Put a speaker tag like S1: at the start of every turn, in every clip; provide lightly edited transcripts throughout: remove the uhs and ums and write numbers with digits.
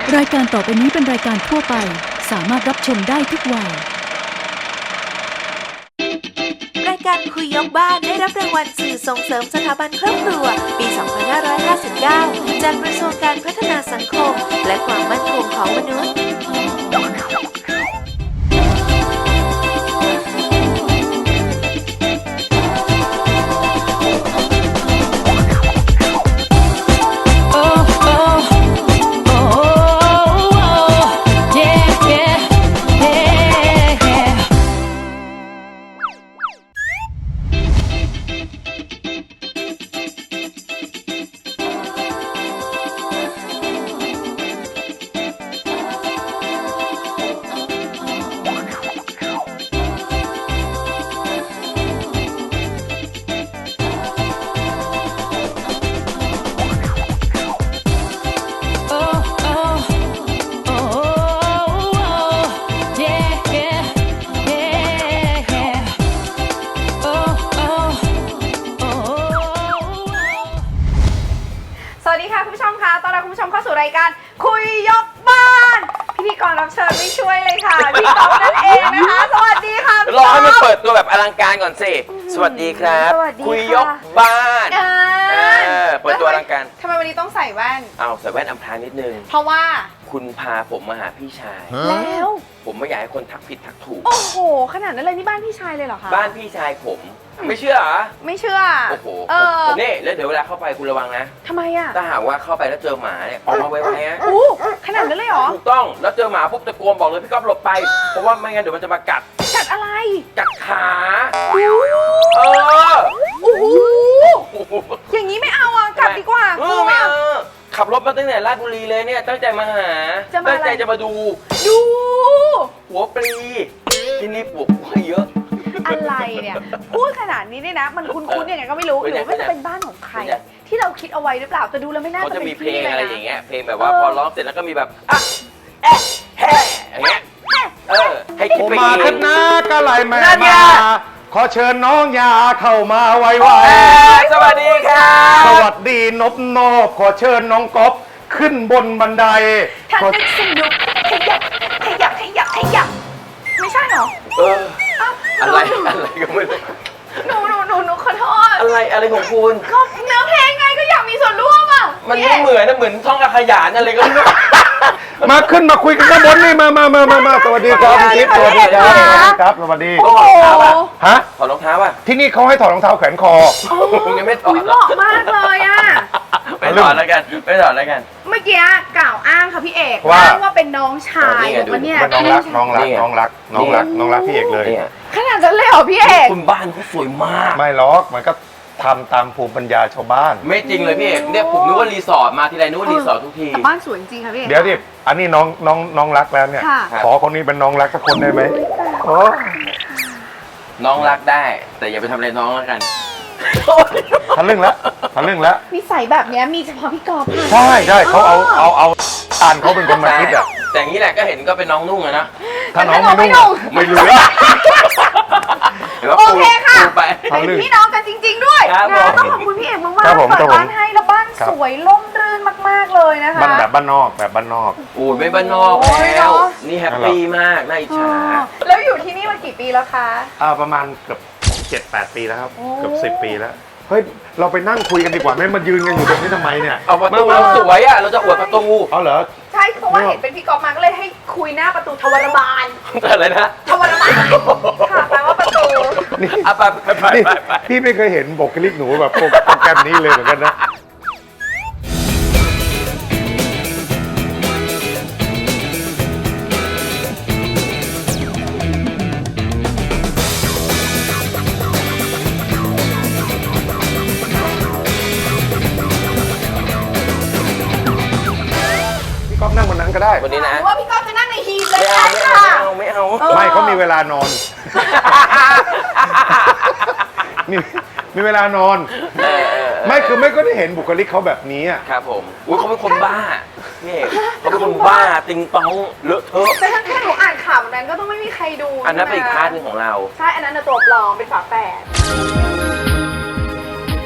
S1: รายการต่อไปนี้เป็นรายการทั่วไปสามารถรับชมได้ทุกวัย
S2: รายการคุยยกบ้านได้รับรางวัลสื่อส่งเสริมสถาบันครอบครัวปี 2559 จากกระทรวงการพัฒนาสังคมและความมั่นคงของมนุษย์
S3: สวัสดีค่ะคุณผู้ชมค่ะต้อนรับคุณผู้ชมเข้าสู่รายการคุยยกบ้านพิธีกรรับเชิญไม่ช่วยเลยค่ะพี่ก๊อฟนั่นเองนะคะสวัสดีค่ะ
S4: รอให้มันเปิดตัวแบบอลังการก่อนสิสวัสดีครับคุยยกบ้านเปิดตัวอลังการ
S3: ทำไมวันนี้ต้องใส่แว่น
S4: เอาใส่แว่นอำพรางนิดนึง
S3: เพราะว่า
S4: คุณพาผมมาหาพี่ชาย
S3: แล้ว
S4: ผมไม่อยากให้คนทักผิดทักถูก
S3: โอ้โหขนาดนั้นเลยนี่บ้านพี่ชายเลยเหรอคะ
S4: บ้านพี่ชายผมไม่เชื่อเหรอ
S3: ไม่เชื่อ
S4: โอ้โหนี่แล้วเดี๋ยวเวลาเข้าไปคุณระวังนะ
S3: ทำไมอ่ะ
S4: ถ้าหากว่าเข้าไปแล้วเจอหมาเนี่ยออกมาไวๆนะ
S3: ขนาดนั้นเลยเหรอ
S4: ถูกต้องแล้วเจอหมาปุ๊บตะโกนบอกเลยพี่ก๊อฟหลบไปเพราะว่าไม่งั้นเดี๋ยวมันจะมากัด
S3: อะไร
S4: กัดขา
S3: โอ้โหอย่างนี้ไม่เอาอ่ะกลับดีกว่า
S4: ไม่เอาขับรถมาตั้งแต่ราชบุรีเลยเนี่ยตั้งใจมาหาตั้งใจจะมาดูหัวปลีที่นี่ปลูกไว้เยอะ
S3: อะไรเนี่ยพูดขนาดนี้เนี่ยนะมันคุ้นๆยังไงก็ไม่รู้หรือว่าจะเป็นบ้านของใครที่เราคิดเอาไว้หรือเปล่าแต่ดูแล้วไม่น่าจะเป็น
S4: เพลงอะไรอย่างเงี้ยเพลงแบบว่าพอร้องเสร็จแล้วก็มีแบบอ่ะแอะแห่อย่างเงี้ยให้คิดไปเอง
S5: มาขึ้นนะก็ไหลแม่มาขอเชิญน้องยาเข้ามาไว
S4: ๆสวัสดีครับ
S5: สวัสดีนบนบขอเชิญน้องก๊อฟขึ้นบนบันได
S3: ท่านนึกสนุกขยับไม่ใช่หรอ
S4: อะไรก็ไม่รู้
S3: หนูขอโทษ
S4: อะไรของคุณ
S3: ก็เนื้อเพลงไงก็อยากมีส่วนร่วมอ่ะ
S4: มันไม่เหมือนท่องอาขยานอะไรก็ไม่รู้
S5: มาขึ้นมาคุยกันข้างบนนี่มาสวัสดีครับพี่จิ๊บสวัสดีครับสวัสดี
S3: โอ้โห
S5: ฮะ
S4: ถอดรองเท้าป่ะ
S5: ที่นี่เขาให้ถอดรองเท้าแขวนคอ
S4: คุณยังไม่ถอด
S3: เหมาะมากเลยอ่ะ
S4: ไม่ถอดแล้วกันเ
S3: มื่อกี้กล่าวอ้างค่ะพี่เอกว่าเป็นน้องชายว่าเนี่ย
S5: น้องรักพี่เอกเลย
S3: ขนาดนั้นเลยเหรอพี่เอก
S4: คุณบ้านเขาสวยมาก
S5: ไม่ล็อกมันก็ทำตามภูมิปัญญาชาวบ้าน
S4: ไม่จริงเลยพี่เอกเนี่ยผมนึกว่ารีสอร์ทมาทีไรนึกว่ารีสอร์ททุกที
S3: บ้านสวยจริงค่ะพี่เอก
S5: เดี๋ยวดิอันนี้น้องรักแล้วเนี่ยขอคนนี้เป็นน้องรักสักคนได้ไหม
S4: น้องรักได้แต่อย่าไปทำอะไรน้องแล้วกัน
S5: ทะลึ่งแล้ว
S3: นิสัยแบบนี้มีเฉพาะพี่กอล์ฟ
S5: ใช่เขาเอาอ่านเขาเป็นคนมาคิดอ่ะ
S4: แต่อย่างนี้แหละก็เห็นก็เป็นน้องนุ่งอะนะ
S5: ถ้าน้องไม่นุ่งไม่รู้
S3: โอเคค่ะเป็นพี่น้องกันจริงๆด้วยนะต้องขอบคุณพี่เอกมากๆเปิดบ้านให้แล้วบ้านสวยร่มรื่นมากๆเลยนะคะ
S5: บ้านแบบบ้านนอก
S4: โอ้ยไม่บ้านนอกแล้วนี่แฮปปี้มากน่าอิจฉา
S3: แล้วอยู่ที่นี่มากี่ปีแล้วคะ
S5: ประมาณเกือบ 7-8 ปีแล้วครับเกือบ10 ปีแล้วเฮ้ยเราไปนั่งคุยกันดีกว่าไม่มายืนกันอยู่ตรงนี้ทำไมเนี่ย
S4: เอาประตูเราสวยอ่ะเราจะอวดประตู
S5: เอาเหรอ
S3: ใช่เพราะว่าเห็นเป็นพี่กอล์ฟมาก็เลยให้คุยหน้าประตูทวารบาล
S4: อะไรนะ
S3: ทวารบาลค่ะแปลว่าประตู
S5: นี่พี่ไม่เคยเห็นบุคลิกหนูแบบโปรแกรมนี้เลยเหมือนกันนะนั่งบนนั้นก็ได้
S4: วันนี้นะ
S3: ว่าพี่ก๊อฟจะนั่งในฮีทเลย
S4: ค่ะไม่
S5: เขามีเวลานอนมีเวลานอนไม่ก็ได้เห็นบุคลิกเขาแบบนี้อ่ะ
S4: ครับผมเขาเป็นคนบ้านี่เขาเป็นคนบ้าติงตองเลอะเทอะ
S3: แต่ถ้าแค่หนูอ่านข่าวนั้นก็ต้องไม่มีใครดู
S4: อันนั้นเป็นอีกพาร์ทนึงของเรา
S3: ใช่อันนั้นตัวปลอมเป็นฝาแฝด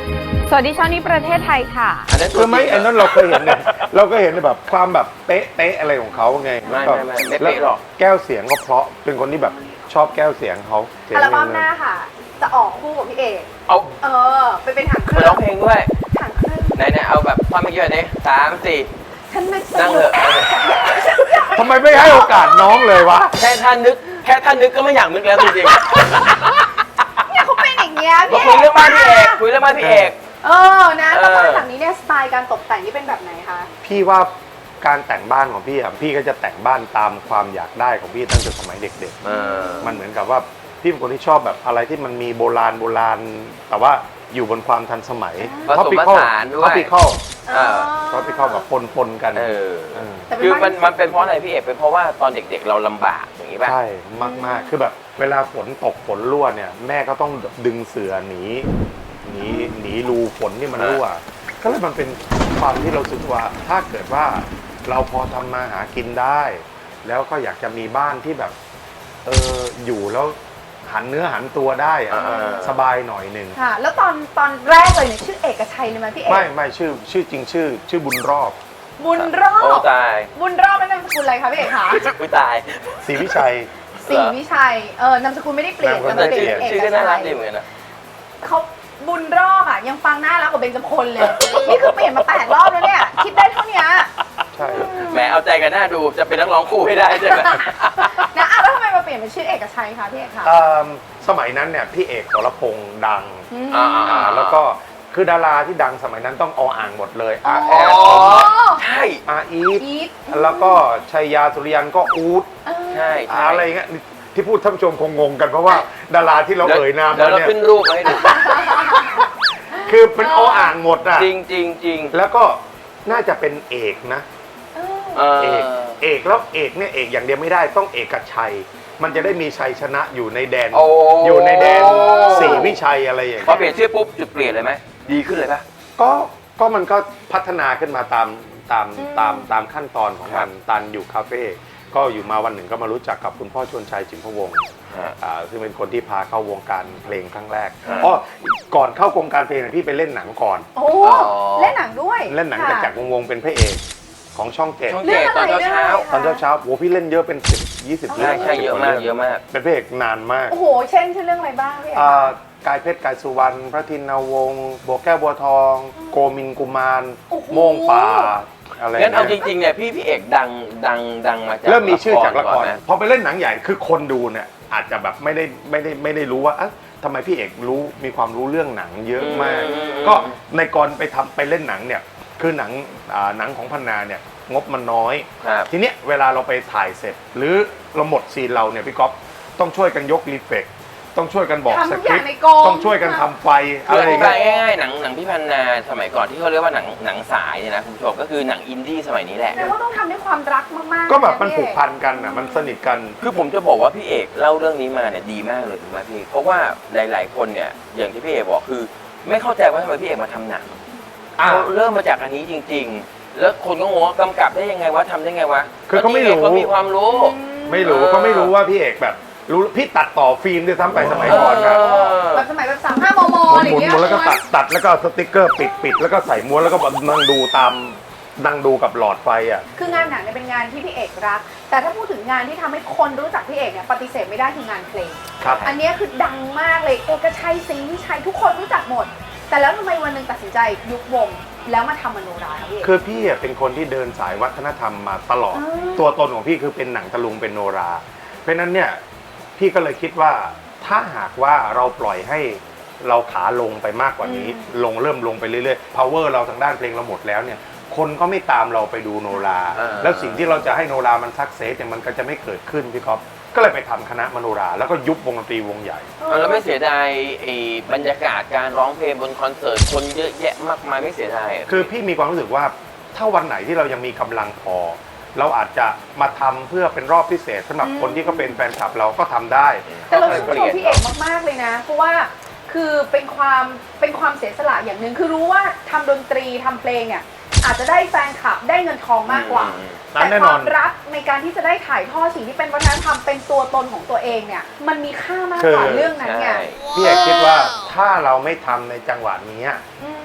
S3: สวัสดีช่องนี้ประเทศไทยค่ะ
S4: อันนั้น
S5: คือไม่อันนั้นเราเคยเห็นเนี่ยเราก็เห็นแบบความแบบเป๊ะอะไรของเขาไง
S4: ไม่เป๊ะหรอก
S5: แก้วเสียงก็เพราะเป็นคนที่แบบชอบแก้วเสียงเขาเสียง
S3: อัลบั้มหน้าค่ะ จะออกคู่กับพี่เอก
S4: เอา
S3: ไปเป็นถังเค
S4: ไป
S3: รื่
S4: ร้องเพลงด้วย
S3: ถังเครื่อง
S4: ไหนๆเอาแบบความเมื่อกี้นี้3 4
S3: ฉันไม่ส
S4: นั่ง
S3: นุ
S4: เถ
S3: ก
S4: อะ
S5: ทำไมไม่ให้โอกาสน้องเลยวะ
S4: แค่ท่านนึกก็ไม่อยากนึกแล้วจริง
S3: เนี่ยเขาเป็นอย่างเงี้ย
S4: ๆมา
S3: พี่
S4: คุยเรื่องบ้านพี่เอกคุยเรื่องบ้านพี่เอก
S3: นะแล้วบ้านหลังนี้เนี่ยสไตล์การตกแต่งนี่เป็นแบบไหนคะ
S5: พี่ว่าการแต่งบ้านของพี่อ่ะพี่ก็จะแต่งบ้านตามความอยากได้ของพี่ตั้งแต่สมัยเด็กๆมันเหมือนกับว่าพี่เป็นคนที่ชอบแบบอะไรที่มันมีโบราณแต่ว่าอยู่บนความทันสมัย
S4: ผสมผสานด้วย
S5: Tropical
S4: อ่า
S5: Tropical แบบปนกัน
S3: แต่เป็น
S4: คือ
S3: บ้าน
S4: มันเป็นเพราะอะไรพี่เอกเป็นเพราะว่าตอนเด็กๆเราลำบากอย่างนี้ป่ะ
S5: ใช่มากคือแบบเวลาฝนตกฝนรั่วเนี่ยแม่ก็ต้องดึงเสือหนีรูฝนที่มันรั่วก็เลยมันเป็นความที่เราสึกว่าถ้าเกิดว่าเราพอทำมาหากินได้ แล้วก็อยากจะมีบ้านที่แบบอยู่แล้วหันเนื้อหันตัวได้อะสบายหน่อยหนึ่ง
S3: ค่ะ แล้วตอนแรกเลยเนี่ยชื่อเอกชัยเลยไหมพี่เอก
S5: ไม่ชื่อจริงชื่อบุญรอบ
S3: บุญรอ
S4: โอ้
S3: บ
S4: ตาย
S3: บุญรอบเป็นนามสกุลอะไรคะพี่เอกคะ
S4: อุ้ยตาย
S5: ศรีวิชัย
S3: ศรีวิชัยนามสกุลไม่ได้เปลี่ยน
S5: นามสกุล
S3: แต่
S4: แต่
S3: เปลี่ยนเอก
S4: ชื่อก็น่ารั
S3: ชั
S4: ก
S3: ย
S4: ดีเหมือนกันนะ
S3: เขาบุญรอบอ่ะยังฟังน่ารักกว่าเบญจพลเลย นี่คือเปลี่ยนมา8 รอบแล้วเนี่ยคิดได้เท่านี้
S5: ใช่
S4: แหมเอาใจกันหน้าดูจะเป็นนักร้องคู่ให้ได้ใช่ไหม
S3: นะแล้วทำไมมาเปลี่ยนเป็นชื่อเอกชัยคะพี่เอกคะ
S5: สมัยนั้นเนี่ยพี่เอกสรพงษ์ดัง แล้ว
S4: ก็
S5: ก็คือดาราที่ดังสมัยนั้นต้องอ่างหมดเลย
S3: อ๋อ
S5: แอร์
S4: ใช่
S5: อีท
S3: อีท
S5: แล้วก็ชัยยาสุริยันก็อูด
S4: ใช่ใช่
S5: อะไรเงี้ยที่พูดท่านผู้ชมคงงงกันเพราะว่าดาราที่เราเอ่ยนาม
S4: เดี๋ยว
S5: มา
S4: เรา
S5: เนี่ย
S4: ขึ้นรูปมาให้ดู
S5: คือเป็นอ่างหมดอ่ะ
S4: จริงจริงจริง
S5: แล้วก็น่าจะเป็นเอกนะ
S4: เอ
S5: เอกแล้วเอกเนี่ยเอกอย่างเดียวไม่ได้ต้องเอกชัย มันจะได้มีชัยชนะอยู่ในแดน อยู่ในแดนศรีวิชัยอะไรอย่าง
S4: พอ
S5: เงี้ย
S4: เปลี่ยนชื่อปุ๊บจุดเปลี่ยนเลยไหมดีขึ้นเลยปะ
S5: ก็มันก็พัฒนาขึ้นมาตามขั้นตอนของมันตันอยู่คาเฟ่ก็อยู่มาวันหนึ่งก็มารู้จักกับคุณพ่อชวนชัยจิมพวงศ์ซึ่งเป็นคนที่พาเข้าวงการเพลงครั้งแรกก่อนเข้าวงการเพลงพี่ไปเล่นหนังก่อน
S3: โอ้เล่นหนังด้วย
S5: เล่นหนังกับจักรวงศ์เป็นพระเอกของช่องเจ็ด
S4: ช่องเจ็ดตอนเช้า
S5: ตอนเช้าโหพี่เล่นเยอะเป็น10-20
S4: ใช่
S5: เรื่อง
S4: ใช่เยอะมากเยอะมาก
S5: เป็นพระเอกนานมาก
S3: โอ้โหเช่นเรื่องอะไรบ้างพี่เอก
S5: กายเพชรกายสุวรรณพระทินาวงศ์บัวแก้วบัวทอง โกมินกุมารโม่งป่าอะไร
S4: งั้นเอาจ
S5: เนี่ย
S4: ริงๆเนี่ยพี่เอกดังมาจาก
S5: เริ่มมีชื่อจากละคร
S4: นะ
S5: พอไปเล่นหนังใหญ่คือคนดูเนี่ยอาจจะแบบไม่ได้รู้ว่าทำไมพี่เอกมีความรู้เรื่องหนังเยอะมาก ก็ในกรไปเล่นหนังเนี่ยคือหนังของพันนาเนี่ยงบมันน้อย
S4: ครับ
S5: ทีเนี้ยเวลาเราไปถ่ายเสร็จ หรือเราหมดซีนเราเนี่ยพี่ก๊อฟต้องช่วยกันยกรีเฟกต้องช่วยกันบอกส
S3: ทำทุก
S5: ค
S3: อ
S5: ริ
S3: ย่า
S5: ป
S3: ง
S5: ต์
S3: ในกอง
S5: ต้องช่วยกันทำไฟ
S4: คือ
S5: อะไร
S4: อธิ
S5: เงี้
S4: บาย
S5: ย
S4: ง่ายๆหนังพี่พันนาสมัยก่อนที่เขาเรียกว่าหนังสายเนี่ยนะคุณผู้ชมก็คือหนังอินดี้สมัยนี้แหละ
S3: แปลว่าต้องทำด้วยความรักมากๆ
S5: ก็แบบมัน
S3: ะ
S5: ผู
S3: พี่
S5: ก
S3: เอก
S5: พันกันอ่ะมันสนิทกัน
S4: คือผมจะบอกว่าพี่เอกเล่าเรื่องนี้มาเนี่ยดีมากเลยถูกไหมพี่เพราะว่าหลายๆคนเนี่ยอย่างที่พี่เอกบอกคือ ไม่เข้าใจว่าทำไมพี่เอกมาทำหนังเขาเริ่มมาจากอันนี้จริง ๆ แล้วคนก็งงว่ากำกับได้ยังไงวะทำได้ไงวะ
S5: คือเขาไม่รู้
S4: เขามีความรู้
S5: ไม่รู้ก็ไม่รู้ว่าพี่เอกแบบรู้พี่ตัดต่อฟิล์มด้วยซ้ำไปสมัยก่อนนะ
S3: แบบสมัยแบบ35 มมอะไรอย่างเงี้ย
S5: หมุนแล้วก็ตัดแล้วก็สติ๊กเกอร์ปิดแล้วก็ใส่ม้วนแล้วก็นั่งดูกับหลอดไฟอ่ะ
S3: คืองานหนังเนี่ยเป็นงานที่พี่เอกรัก แต่ถ้าพูดถึงงานที่ทำให้คนรู้จักพี่เอกเนี่ยปฏิเสธไม่ได้คืองานเพลง
S5: ครับ
S3: อันเนี้ยคือดังมากเลยเอกชัยศรีวิชัยทุกคนรู้จักหมด แต่แล้วทำไมวันหนึ่งตัดสินใจยุบวงแล้วมาทำมโนราครับพี่เอก
S5: คือพี่อ่ะเป็นคนที่เดินสายวัฒนธรรมมาตลอด ตัวตนของพี่คือเป็นหนังตะลุงเป็นโนรา เพราะฉะนั้นเนี่ยพี่ก็เลยคิดว่าถ้าหากว่าเราปล่อยให้เราขาลงไปมากกว่านี้เริ่มลงไปเรื่อยๆ power เราทางด้านเพลงเราหมดแล้วเนี่ยคนก็ไม่ตามเราไปดูโนรา แล้วสิ่งที่เราจะให้โนรามันซักเซสเนี่ยมันก็จะไม่เกิดขึ้นพี่ก๊อฟก็เลยไปทำคณะมโนราแล้วก็ยุบวงดนตรีวงใหญ่
S4: แล้วไม่เสียดายไอ้บรรยากาศการร้องเพลงบนคอนเสิร์ตคนเยอะแยะมากมายไม่เสียดายอะ
S5: คือพี่มีความรู้สึกว่าถ้าวันไหนที่เรายังมีกำลังพอ เราอาจจะมาทำเพื่อเป็นรอบพิเศษสำหรับคนที่เขาเป็นแฟนคลับเราก็ทำได้
S3: แต่เราชื่นชมพี่เอกมากๆเลยนะ เพราะว่าคือเป็นความเสียสละอย่างหนึ่งคือรู้ว่าทำดนตรีทำเพลงเนี่ยอาจจะได้แฟนคลับได้เงินทองมากกว่า แต่
S5: แน่
S3: คน
S5: อ
S3: วาน มรักในการที่จะได้ถ่ายทอดสิ่งที่เป็นวัฒนธรรมเป็นตัวตนของตัวเองเนี่ยมันมีค่ามากกว่าเรื่องนั้นไง
S5: พี่เอกคิดว่าถ้าเราไม่ทำในจังหวะนี้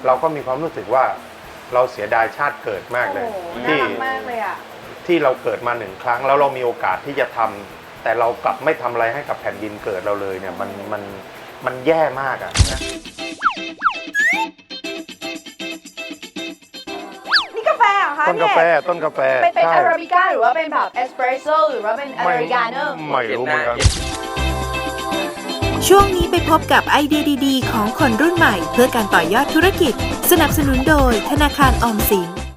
S5: เราก็มีความรู้สึกว่าเราเสียดายชาติเกิดมากเลย
S3: โอ้โหน่า
S5: ที่
S3: รักมากเลยอ่ะ
S5: ที่เราเกิดมา1 ครั้งแล้วเรามีโอกาสที่จะทำแต่เรากลับไม่ทำอะไรให้กับแผ่นดินเกิดเราเลยเนี่ยมันแย่มากอ่ะ
S3: นี่กาแฟเหรอคะ
S5: ต้นกาแฟ
S3: พี่เอก
S5: ต้นกาแฟ
S3: เป็น
S5: ใช่
S3: อาราบิก้าหรือว่าเป็นแบบเอสเปรสโซ่หรือว่าเป็นอเมริกาโน่
S5: ไม่รู้เหมือนกัน
S2: ช่วงนี้ไปพบกับไอเดียดีๆ ของคนรุ่นใหม่ เพื่อการต่อยอดธุรกิจ สนับสนุนโดยธนาคารออมสิน